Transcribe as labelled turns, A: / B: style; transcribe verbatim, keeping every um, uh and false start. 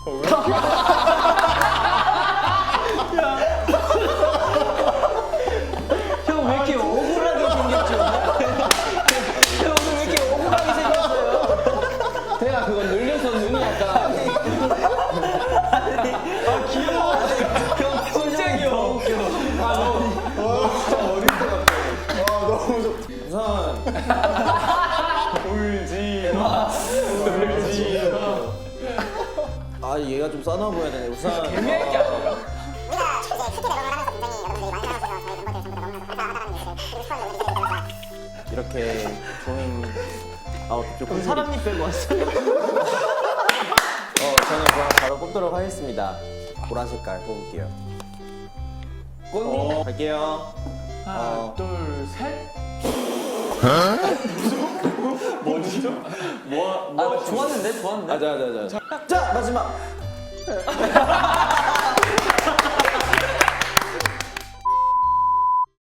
A: 형 왜 이렇게 억울하게 생겼지 오늘? 형 오늘 왜 이렇게 억울하게 생겼어요?
B: 태야 그거 늘려서 눈이 약간
A: 아 귀여워. 형 표정이 너무 웃겨.
B: 아 너무 진짜 어릴 것 같아. 아 너무 좋다. 우선 울지 마. 울지 마. 아 얘가 좀 싸나 보여야 되네. 우선
A: 애매할 게 아니라.
C: 우리가 이제 큐티 대본을 하면서 굉장히 여러분들이 많이 사랑하셔서 저희 멤버들 전부 다 너무나도 감사하다는 얘기를 드리고 싶었는데 우리 이제 들어서
B: 이렇게 좋은 아웃 좀
A: 사람님 빼고 왔어요.
B: 어 저는 그럼 바로 뽑도록 하겠습니다. 보라 색깔 뽑을게요. 꽃 갈게요.
A: 하나,
B: 어.
A: 둘, 셋.
B: 뭐죠? 뭐,
A: 아 좋았는데 좋았는데.
B: 아, 자, 자, 자. 자, 마지막.